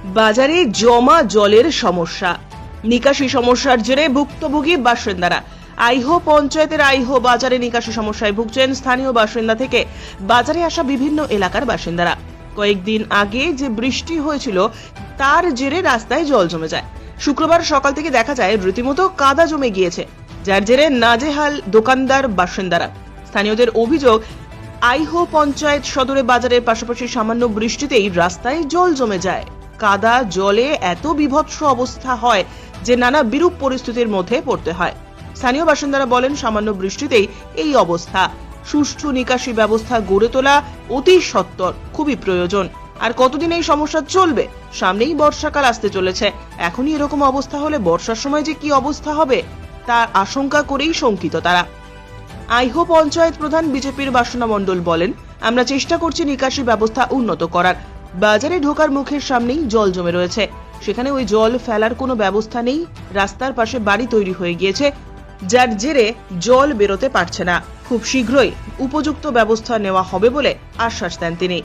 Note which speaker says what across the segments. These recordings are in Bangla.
Speaker 1: বাজারে জমা জলের সমস্যা, নিকাশি সমস্যার জেরে ভুক্তভোগী বাসিন্দারা। আইহো পঞ্চায়েতের আইহো বাজারে নিকাশি সমস্যায় ভুগছেন স্থানীয় বাসিন্দা থেকে বাজারে আসা বিভিন্ন এলাকার বাসিন্দারা। কয়েকদিন আগে যে বৃষ্টি হয়েছিল তার জেরে রাস্তায় জল জমে যায়। শুক্রবার সকাল থেকে দেখা যায় রীতিমতো কাদা জমে গিয়েছে, যার জেরে নাজেহাল দোকানদার বাসিন্দারা। স্থানীয়দের অভিযোগ, আইহো পঞ্চায়েত সদরে বাজারের পাশাপাশি সামান্য বৃষ্টিতেই রাস্তায় জল জমে যায়। কাদা জলে এত বিভৎস অবস্থা হয় যে নানা বিরূপ পরিস্থিতির মধ্যে পড়তে হয়। স্থানীয় বাসিন্দারা বলেন, সামান্য বৃষ্টিতেই এই অবস্থা। সুষ্ঠু নিকাশি ব্যবস্থা গড়ে তোলা অতি সত্বর খুবই প্রয়োজন। আর কতদিন এই সমস্যা চলবে? সামনেই বর্ষাকাল আসতে চলেছে। এখনই এরকম অবস্থা হলে বর্ষার সময় যে কি অবস্থা হবে তার আশঙ্কা করেই শঙ্কিত তারা। আইহো পঞ্চায়েত প্রধান বিজেপির বাসনা মণ্ডল বলেন, আমরা চেষ্টা করছি নিকাশি ব্যবস্থা উন্নত করার। বাজারে ঢোকার মুখের সামনেই জল জমে রয়েছে, সেখানে ওই জল ফেলার কোনো ব্যবস্থা নেই। রাস্তার পাশে বাড়ি তৈরি হয়ে গিয়েছে, যার জেরে জল বেরোতে পারছে না। খুব শীঘ্রই উপযুক্ত ব্যবস্থা নেওয়া হবে বলে আশ্বাস দেন তিনি।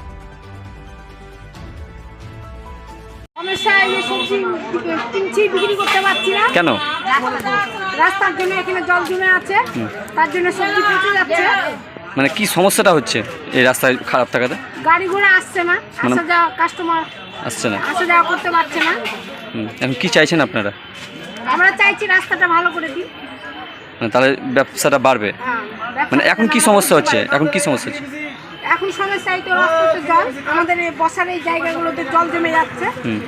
Speaker 2: বিক্রি করতে পারছি না
Speaker 3: কেন?
Speaker 2: রাস্তার জন্য এখানে জল জমে আছে, তার জন্য সবজি পচে যাচ্ছে।
Speaker 3: মানে কি সমস্যাটা হচ্ছে এই রাস্তায় খারাপ থাকাতে?
Speaker 2: গাড়ি ঘোড়া আসছে না, আসা যাওয়া কাস্টমার
Speaker 3: আসছে না,
Speaker 2: আসা যাওয়া করতে পারছে না।
Speaker 3: এখন কি চাইছেন আপনারা?
Speaker 2: আমরা চাইছি রাস্তাটা ভালো করে দিই,
Speaker 3: মানে তাহলে ব্যবসাটা বাড়বে। মানে এখন কি সমস্যা হচ্ছে? এখন কি সমস্যা হচ্ছে?
Speaker 2: এখন সমস্যা এই তো রাস্তাতে জল, আমাদের এই বসার এই জায়গাগুলোতে জল জমে যাচ্ছে।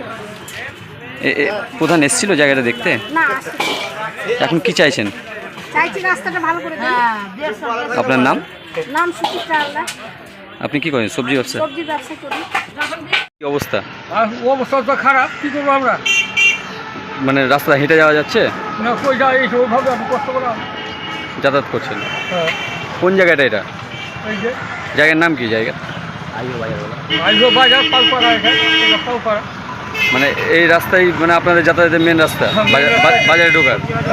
Speaker 3: প্রধান এসেছিল জায়গাটা দেখতে?
Speaker 2: না,
Speaker 3: এখন কি চাইছেন?
Speaker 2: চাইছি রাস্তাটা ভালো করে দিই।
Speaker 3: আপনার নাম?
Speaker 2: নাম সুচিত্রা আল্লাহ।
Speaker 3: আপনি কি করেন? সবজি ব্যবসা?
Speaker 2: সবজি ব্যবসা করি।
Speaker 3: কি অবস্থা?
Speaker 4: অবস্থা তো খারাপ, কি করবো আমরা?
Speaker 3: মানে রাস্তা হেঁটে যাওয়া যাচ্ছে
Speaker 4: না, কই যাই ওইভাবে আমি কষ্ট করলাম।
Speaker 3: যাতায়াত করছেন?
Speaker 4: হ্যাঁ,
Speaker 3: কোন জায়গাটা এটা?
Speaker 4: এই যে
Speaker 3: জায়গার নাম কি? জায়গা
Speaker 4: আইজো বাজার পালপাড়া, এটা পালপাড়া।
Speaker 3: মানে এই রাস্তায় মানে আপনাদের যাতায়াতের মেন রাস্তা বাজারে ঢোকার?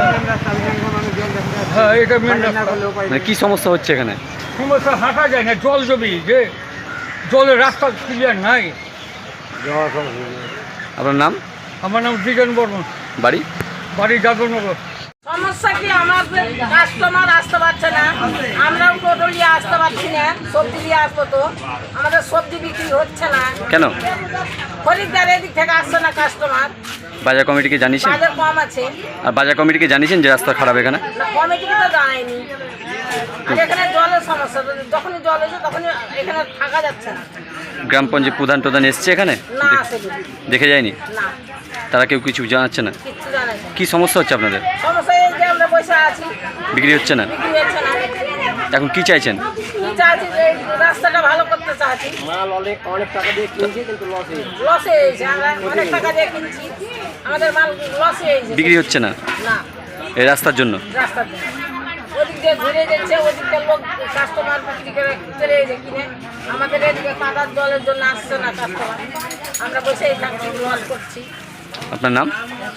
Speaker 4: হ্যাঁ, এটা মেন রাস্তা।
Speaker 3: মানে কি সমস্যা হচ্ছে এখানে?
Speaker 4: সমস্যা হাঁটা যায় না, জল জমি যে জলের রাস্তা ক্লিয়ার নাই।
Speaker 3: আপনার নাম?
Speaker 4: আমার নাম দ্বিজেন বর্মন,
Speaker 3: বাড়ি?
Speaker 4: বাড়ি যাদবনগর।
Speaker 5: সমস্যা কি, আমাদের কাস্টমার আসতে পারছে না, আমরাও টোটো নিয়ে আসতে পারছি না। সবজি নিয়ে আসবো তো আমাদের সবজি বিক্রি হচ্ছে না।
Speaker 3: কেন?
Speaker 5: খরিদ্দার এদিক থেকে আসছে না কাস্টমার।
Speaker 3: বাজার কমিটিকে জানিয়েছেন?
Speaker 5: বাজার কম আছে
Speaker 3: আর বাজার কমিটিকে জানিয়েছেন যে রাস্তা খারাপ এখানে?
Speaker 5: না, কমিটিকে তো জানায়নি। আর এখানে জলের সমস্যা, যখনই জল এসে তখনই এখানে থাকা যাচ্ছে না।
Speaker 3: গ্রাম পঞ্চায়েত প্রধান এসছে এখানে?
Speaker 5: না, আসে
Speaker 3: দেখে যায়নি?
Speaker 5: না,
Speaker 3: তারা কেউ কিছু জানাচ্ছে না?
Speaker 5: কিচ্ছু জানাই না।
Speaker 3: কি সমস্যা হচ্ছে আপনাদের?
Speaker 5: সমস্যা এই যে আমরা বসে আছি,
Speaker 3: বিক্রি হচ্ছে না?
Speaker 5: বিক্রি হচ্ছে না।
Speaker 3: এখন কি চাইছেন?
Speaker 5: কি চাচ্ছি, যে এই রাস্তাটা ভালো করতে চাচ্ছি।
Speaker 6: অনেক টাকা দিয়ে কিনছি, কিন্তু লসে
Speaker 5: লসে হয়েছে, আমরা অনেক টাকা দিয়ে কিনছি, আমাদের মাল লসে হয়েছে।
Speaker 3: বিক্রি হচ্ছে না
Speaker 5: না,
Speaker 3: এই রাস্তার জন্য?
Speaker 5: রাস্তার জন্য ওদিক দিয়ে ঘুরে যাচ্ছে, ওদিককার লোক কাস্টমার বিক্রি করে চলে যাচ্ছে কিনে। আমাদের এদিকে কাদার জলের জন্য আসছে না কাস্টমার, আমরা বসেই থাকছি, লস করছি।
Speaker 3: আপনার নাম?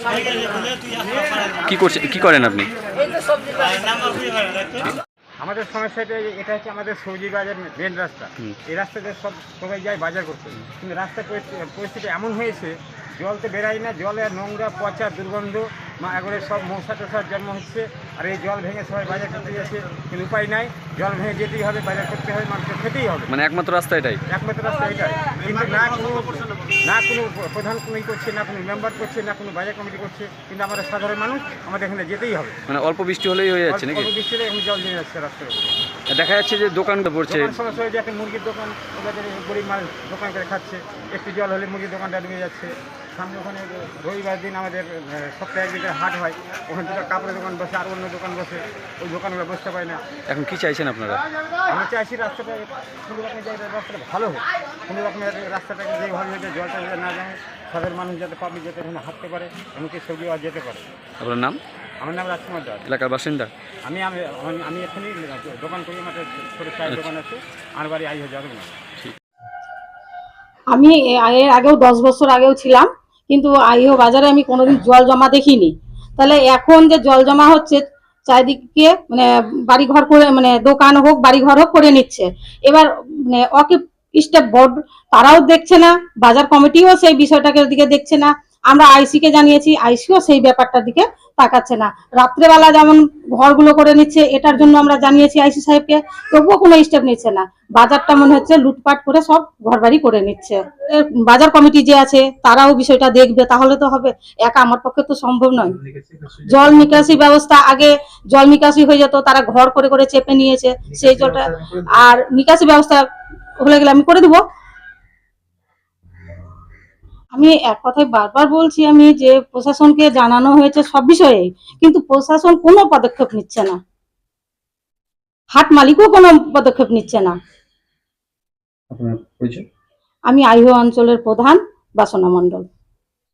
Speaker 3: কি করেন আপনি?
Speaker 5: এই তো সবজি ব্যবসা।
Speaker 6: আমাদের সমস্যাটা এটা হচ্ছে আমাদের সবজি বাজার মেন রাস্তা। এই রাস্তাতে সবাই যায় বাজার করতে, কিন্তু রাস্তার পরিস্থিতি এমন হয়েছে, জল তো বেরাই না, জলে নোংরা পচা দুর্গন্ধ, একবারে সব মশা টশার জন্ম হচ্ছে। আর এই জল ভেঙে সবাই বাজার করতে যাচ্ছে, কিন্তু উপায় নাই, জল ভেঙে যেতেই হবে, বাজার করতে হবে, মানুষকে খেতেই হবে।
Speaker 3: মানে একমাত্র রাস্তা এটাই?
Speaker 6: একমাত্র রাস্তা এটাই, কিন্তু না কোনো প্রধান কোনো করছে, না কোনো মেম্বার করছে, না কোনো বাজার কমিটি করছে, কিন্তু আমরা সাধারণ মানুষ, আমাদের এখানে যেতেই হবে।
Speaker 3: মানে অল্প বৃষ্টি হলেই হয়ে যাচ্ছে নাকি?
Speaker 6: অল্প বৃষ্টি হলে এখন জল জমে যাচ্ছে রাস্তার উপরে।
Speaker 3: দেখা যাচ্ছে যে দোকানটা পড়ছে।
Speaker 6: সমস্যা হয়ে যাচ্ছে, মুরগির দোকান, ওদের গরিব মানুষ দোকান করে খাচ্ছে, একটু জল হলে মুরগির দোকানটা ডুবে যাচ্ছে। সামনে ওখানে রবিবার দিন আমাদের সপ্তাহে একদিনের হাট হয়, ওখানে দুটো কাপড়ের দোকান বসে, আর অন্য দোকান বসে, ওই দোকানগুলো বসতে পারে না।
Speaker 3: এখন কি চাইছেন আপনারা?
Speaker 6: আমরা চাইছি রাস্তাটা কোনো রকমের জায়গায় রাস্তাটা ভালো হোক, কোনো রকমের রাস্তাটাকে যেভাবে হয়েছে জলটা না যায়, সাধারণ মানুষ যাতে পাবলিক যাতে এখানে হাঁটতে পারে, এমনকি সবজি আর যেতে পারে।
Speaker 3: আপনার নাম?
Speaker 6: আমার নাম রাজকুমার দাস,
Speaker 3: এলাকার বাসিন্দা?
Speaker 6: আমি আমি এখানেই দোকান করি, আমার ছোটো চায়ের দোকান আছে, আমার বাড়ি আইহো যাদবনগর।
Speaker 7: আমি এর আগেও 10 বছর আগেও ছিলাম, কিন্তু আইহো বাজারে আমি কোনোদিন জল জমা দেখিনি। তাহলে এখন যে জল জমা হচ্ছে চারিদিকে, মানে বাড়ি ঘর করে, মানে দোকান হোক বাড়ি ঘর হোক করে নিচ্ছে। এবার মানে স্টেপ বোর্ড তারাও দেখছে না, বাজার কমিটিও সেই বিষয়টাকে দিকে দেখছে না। আমরা আইসি কে জানিয়েছি, আইসিও সেই ব্যাপারটার দিকে তাকাচ্ছে না। রাত্রেবেলা যেমন ঘরগুলো করে নিচ্ছে, এটার জন্য আমরা জানিয়েছি আইসি সাহেবকে, তবুও কোনো স্টেপ নিচ্ছে না। বাজারটা মনে হচ্ছে লুটপাট করে সব ঘরবাড়ি করে নিচ্ছে। বাজার কমিটি যে আছে তারাও বিষয়টা দেখবে, তাহলে তো হবে। একা আমার পক্ষে তো সম্ভব নয়। জল নিকাশি ব্যবস্থা, আগে জল নিকাশি হয়ে যেত, তারা ঘর করে করে চেপে নিয়েছে সেই জলটা। আর নিকাশি ব্যবস্থা হলে গেলে আমি করে দিব। আমি এক কথায় বারবার বলছি আমি যে প্রশাসনকে জানানো হয়েছে সব বিষয়ে, কিন্তু প্রশাসন কোনো পদক্ষেপ নিচ্ছে না, হাট মালিকও কোনো পদক্ষেপ নিচ্ছে না।
Speaker 3: আপনার পরিচয়?
Speaker 7: আমি আইহো অঞ্চলের প্রধান বাসনা মণ্ডল।